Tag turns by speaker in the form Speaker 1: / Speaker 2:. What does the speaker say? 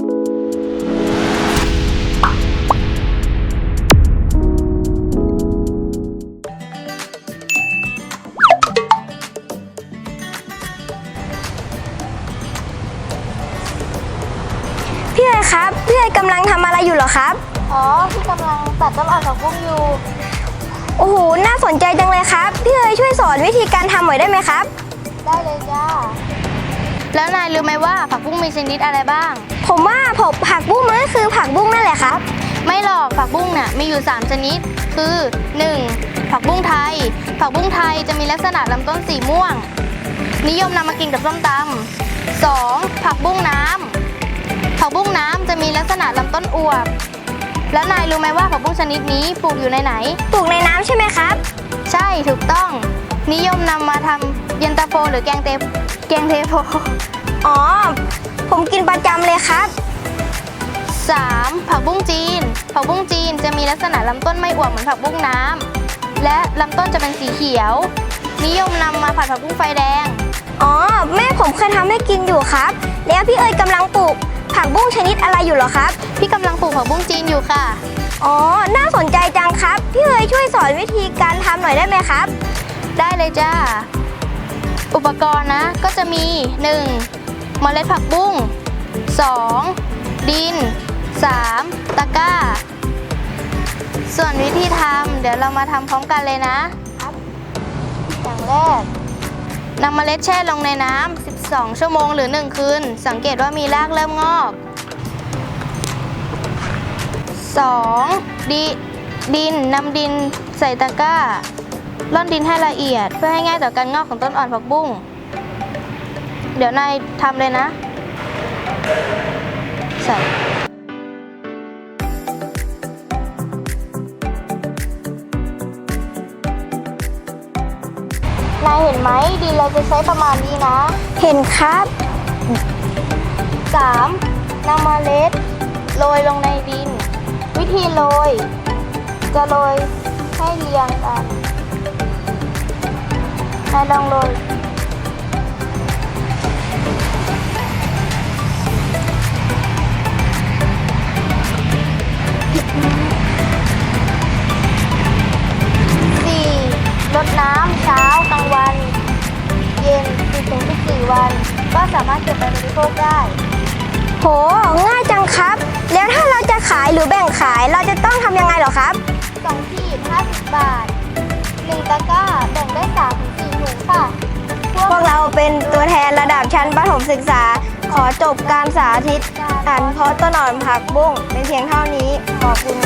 Speaker 1: พี่เอ๋ครับพี่เอ๋กำลังทำอะไรอยู่เหรอครับ
Speaker 2: อ๋อพี่กำลังตัดต้นอ่อนผักบุ้งอยู่
Speaker 1: โอ้โหน่าสนใจจังเลยครับพี่เอ๋ช่วยสอนวิธีการทำหน่อยได้ไหมครับ
Speaker 2: ได้เลยจ้าแล้วนายรู้ไหมว่าผักบุ้งมีชนิดอะไรบ้าง
Speaker 1: ผมว่าผักบุ้งมันก็คือผักบุ้งนั่นแหละครับ
Speaker 2: ไม่หรอกผักบุ้งน่ะมีอยู่3ชนิดคือ 1. ผักบุ้งไทยผักบุ้งไทยจะมีลักษณะลำต้นสีม่วงนิยมนำมากินกับส้มตำ 2. ผักบุ้งน้ำผักบุ้งน้ำจะมีลักษณะลำต้นอวบแล้วนายรู้ไหมว่าผักบุ้งชนิดนี้ปลูกอยู่ในไหน
Speaker 1: ปลูกในน้ำใช่ไหมครับ
Speaker 2: ใช่ถูกต้องนิยมนำมาทำเย็นตาโฟหรือแกงเทโพ
Speaker 1: อ๋อผมกินประจำเลยครับ
Speaker 2: 3. ผักบุ้งจีนผักบุ้งจีนจะมีลักษณะลำต้นไม่อวบเหมือนผักบุ้งน้ำและลำต้นจะเป็นสีเขียวนิยมนำมาผัดผักบุ้งไฟแดง
Speaker 1: อ๋อแม่ผมเคยทำให้กินอยู่ครับแล้วพี่เอ๋ยกำลังปลูกผักบุ้งชนิดอะไรอยู่เหรอครับ
Speaker 2: พี่กำลังปลูกผักบุ้งจีนอยู่ค่ะ
Speaker 1: อ๋อน่าสนใจจังครับพี่เอ๋ยช่วยสอนวิธีการทำหน่อยได้ไหมครับ
Speaker 2: ได้เลยจ้าอุปกรณ์นะก็จะมี 1. เมล็ดผักบุ้ง 2. ดิน 3. ตะกร้าส่วนวิธีทำเดี๋ยวเรามาทำพร้อมกันเลยนะครับอย่างแรกนำเมล็ดแช่ลงในน้ำ12 ชั่วโมงหรือ1 คืนสังเกตว่ามีรากเริ่มงอก 2. ดินนำดินใส่ตะกร้าร่อนดินให้ละเอียดเพื่อให้ง่ายต่อการงอกของต้นอ่อนผักบุ้งเดี๋ยวนายทำเลยนะใส่นายเห็นไหมดินเราจะใช้ประมาณนี้นะ
Speaker 1: เห็นครับ
Speaker 2: 3. นำเมล็ดโรยลงในดินวิธีโรยจะโรยให้เรียงกันนายลองโรยรดน้ำเช้ากลางวันเย็น 10-14 วันก็สามารถเก็บไปบริโภคได้
Speaker 1: โหง่ายจังครับแล้วถ้าเราจะขายหรือแบ่งขายเราจะต้องทำยังไงเหรอครับ
Speaker 2: 2 ขีด 50 บาท1 ตะกร้าแบ่งได้ 3-4 ถุงค่ะ
Speaker 1: พวกเราเป็นตัวแทนระดับชั้นประถมศึกษาขอจบการสาธิตการเพาะต้นอ่อนผักบุ้งเป็นเพียงเท่านี้ขอบคุณ